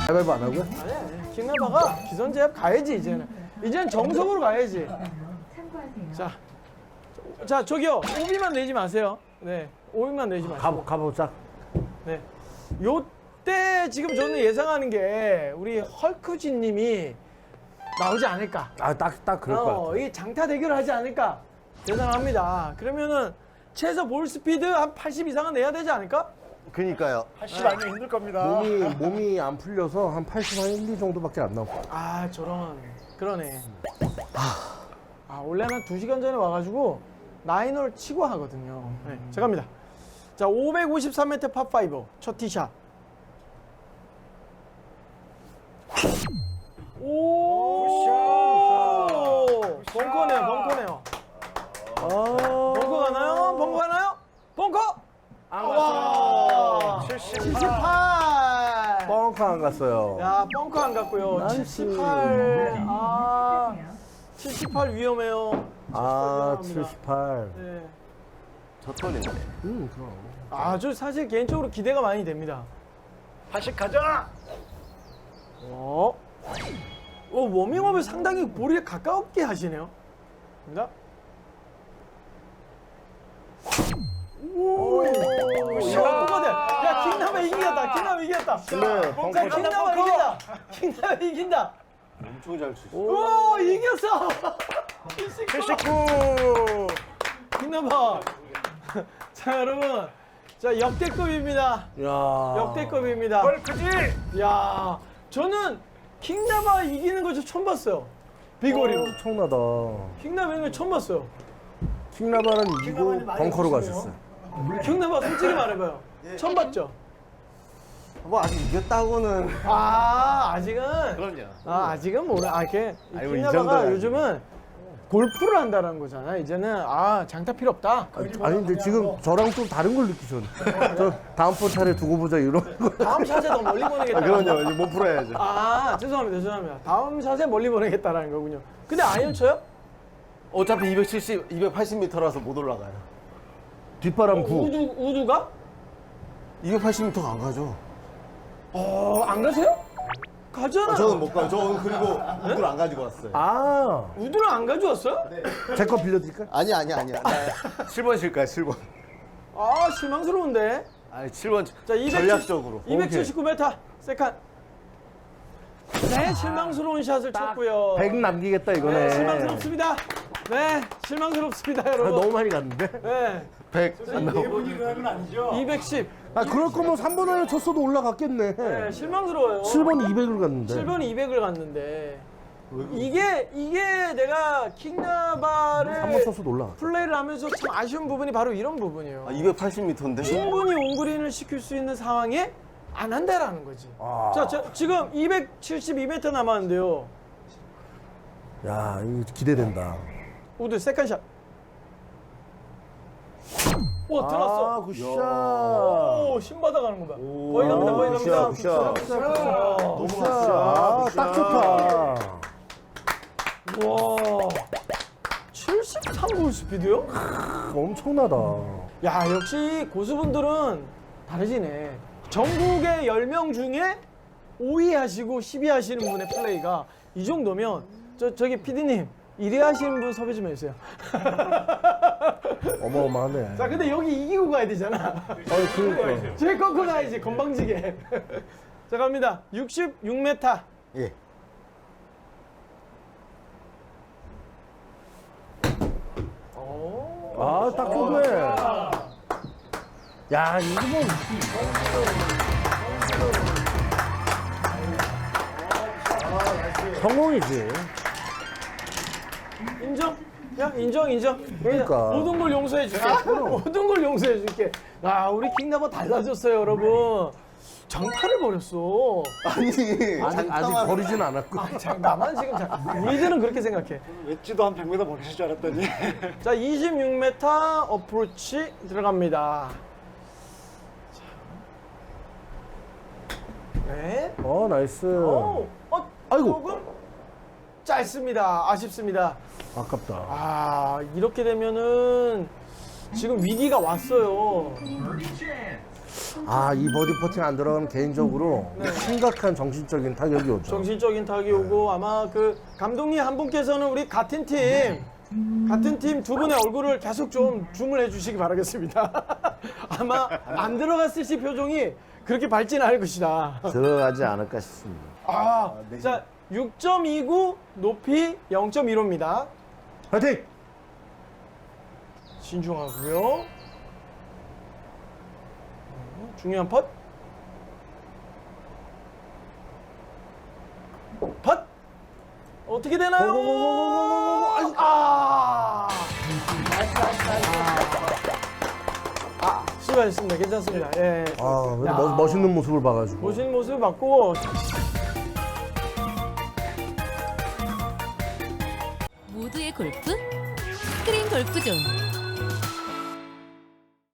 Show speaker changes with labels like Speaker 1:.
Speaker 1: 가위바위보 안 하고요?
Speaker 2: 아니, 킹나바가 기선제압 가야지, 이제는. 이제는 정석으로 가야지. 자, 저기요. 오비만 내지 마세요. 네, 오비만 내지 마세요.
Speaker 1: 가보자.
Speaker 2: 네. 요때 지금 저는 예상하는 게 우리 헐크진 님이 나오지 않을까.
Speaker 1: 딱 그럴 것 같아.
Speaker 2: 이 장타 대결을 하지 않을까 예상합니다. 그러면은 최소 볼 스피드 한 80 이상은 내야 되지 않을까?
Speaker 3: 그니까요.
Speaker 4: 80 아니면 힘들 겁니다.
Speaker 1: 몸이 안 풀려서 한 80, 한 1, 2 정도밖에 안 나올 것 같아.
Speaker 2: 아, 저런. 그러네. 원래는 2시간 전에 와가지고 나인홀 치고 하거든요. 네, 자, 갑니다. 자, 553m 파5 첫 티샷. 오! 벙커네요, 벙커네요. 벙커 가나요? 벙커 가나요? 벙커! 와! 78!
Speaker 1: 뻥커 안 갔어요.
Speaker 2: 야, 벙커 안 갔고요.
Speaker 1: 나이스.
Speaker 2: 78. 78 위험해요.
Speaker 1: 78.
Speaker 2: 네.
Speaker 3: 저 털리네.
Speaker 1: 그럼.
Speaker 2: 저 사실 개인적으로 기대가 많이 됩니다.
Speaker 4: 80 가자.
Speaker 2: 워밍업을 상당히 볼에 가깝게 하시네요. 갑니다. 오, 벙커대. 야, 킹나바 이겼다. 킹나바 이겼다.
Speaker 1: 근데
Speaker 2: 자, 킹나바 이긴다. 킹나바 이긴다.
Speaker 3: 엄청 잘 치시네.
Speaker 2: 오, 이겼어.
Speaker 4: 79.
Speaker 2: 킹나바. 자, 여러분. 자, 역대급입니다.
Speaker 1: 야.
Speaker 2: 역대급입니다.
Speaker 4: 헐크지.
Speaker 2: 야, 저는 킹나바 이기는 거 저 처음 봤어요. 비거리로.
Speaker 1: 엄청나다.
Speaker 2: 킹나바 이기는 거 처음 봤어요.
Speaker 1: 킹나바는 이기고
Speaker 4: 많이
Speaker 1: 벙커로
Speaker 4: 오시네요.
Speaker 1: 가셨어요.
Speaker 2: 킹나바 솔직히 말해봐요. 처음 봤죠?
Speaker 3: 뭐 아직 이겼다고는.
Speaker 2: 아직은.
Speaker 3: 그럼요.
Speaker 2: 아직은 몰라. 이렇게
Speaker 3: 아니, 뭐 이
Speaker 2: 킹나바가
Speaker 3: 정도는
Speaker 2: 요즘은 골프를 한다는 거잖아. 이제는 장타 필요 없다.
Speaker 1: 아니 근데 지금 저랑 좀 다른 걸 느끼셨네. 저 다음 포탈에 두고 보자 이런 거.
Speaker 2: 다음 샷에 더 멀리 보내겠다.
Speaker 3: 그럼요. 이제 못 풀어야죠.
Speaker 2: 죄송합니다. 다음 샷에 멀리 보내겠다라는 거군요. 근데 아이언 쳐요?
Speaker 3: 어차피 270, 280m라서 못 올라가요.
Speaker 1: 뒷바람 9.
Speaker 2: 우두가?
Speaker 3: 280m 안 가죠.
Speaker 2: 안 가세요? 가잖아.
Speaker 3: 저는 못 가요. 저는 그리고 우드를 안 가지고 왔어요.
Speaker 2: 우드를 안 가져왔어요?
Speaker 1: 제 거 빌려드릴까요?
Speaker 3: 아니야. 7번 칠까요? 7번.
Speaker 2: 실망스러운데.
Speaker 3: 아니 7번
Speaker 2: 자, 270,
Speaker 3: 전략적으로.
Speaker 2: 279m 세컨. 네, 실망스러운 샷을 쳤고요.
Speaker 1: 100 남기겠다 이거네.
Speaker 2: 네, 실망스럽습니다. 네, 실망스럽습니다, 여러분.
Speaker 1: 너무 많이 갔는데?
Speaker 2: 네,
Speaker 3: 100 안 나오고.
Speaker 4: 이분이 그건 아니죠.
Speaker 2: 210.
Speaker 1: 그럴 거면 3번 안에 쳤어도 올라갔겠네.
Speaker 2: 네, 실망스러워요.
Speaker 1: 7번 200을 갔는데.
Speaker 2: 7번이 200을 갔는데. 이게 내가 킹나바를
Speaker 1: 3번 쳤어도 올라갔다.
Speaker 2: 플레이를 하면서 참 아쉬운 부분이 바로 이런 부분이에요.
Speaker 3: 280m인데.
Speaker 2: 충분히 온그린을 시킬 수 있는 상황에 안 한다라는 거지. 자, 지금 272m 남았는데요.
Speaker 1: 야, 이거 기대된다.
Speaker 2: 우드 세컨샷. 오, 들어왔어.
Speaker 1: 굿샷.
Speaker 2: 오, 신바다 가는 거 봐. 거의 갑니다, 거의 갑니다.
Speaker 3: 굿샷.
Speaker 1: 너무 딱 좋다.
Speaker 2: 와, 73볼 스피드요?
Speaker 1: 엄청나다.
Speaker 2: 야, 역시 고수분들은 다르시네. 전국의 10명 중에 5위 하시고 10위 하시는 분의 플레이가 이 정도면 저기 PD님 1위 하시는 분 섭외 좀 해주세요.
Speaker 1: 어마어마하네.
Speaker 2: 자, 근데 여기 이기고 가야 되잖아.
Speaker 1: 그러니까.
Speaker 2: 제일 꺾고 가야지, 건방지게. 자, 갑니다. 66m.
Speaker 3: 예.
Speaker 1: 딱 좋네. 야, 이거 뭐. 성공이지.
Speaker 2: 인정? 야, 인정.
Speaker 1: 그러니까.
Speaker 2: 모든 걸 용서해 줄게. 모든 걸 용서해 줄게. 우리 킹나바 달라졌어요, 여러분. 장타를 버렸어.
Speaker 1: 아직 버리진 않았고.
Speaker 2: 나만 지금 우리들은 그렇게 생각해.
Speaker 4: 웨지도 한 100m 버리실 줄 알았더니.
Speaker 2: 자, 26m 어프로치 들어갑니다. 네.
Speaker 1: 나이스.
Speaker 2: 아이고. 조금 짧습니다. 아쉽습니다.
Speaker 1: 아깝다.
Speaker 2: 이렇게 되면은 지금 위기가 왔어요.
Speaker 1: 아, 이 버디 퍼팅 안 들어가면 개인적으로
Speaker 2: 네.
Speaker 1: 심각한 정신적인 타격이 오죠.
Speaker 2: 정신적인 타격이 오고 아마 그 감독님 한 분께서는 우리 같은 팀 두 분의 얼굴을 계속 좀 줌을 해주시기 바라겠습니다. 아마 안 들어갔을 시 표정이 그렇게 밝지는 않을 것이다.
Speaker 1: 들어가지 않을까 싶습니다.
Speaker 2: 자, 6.29 높이 0.15입니다.
Speaker 1: 파이팅!
Speaker 2: 신중하고요. 중요한 펫. 펫. 어떻게 되나요? 수고하셨습니다. 괜찮습니다. 예.
Speaker 1: 아,
Speaker 2: 야.
Speaker 1: 멋있는 모습을 봐가지고.
Speaker 2: 멋있는 모습을 봤고
Speaker 5: 모두의 골프 스크린 골프존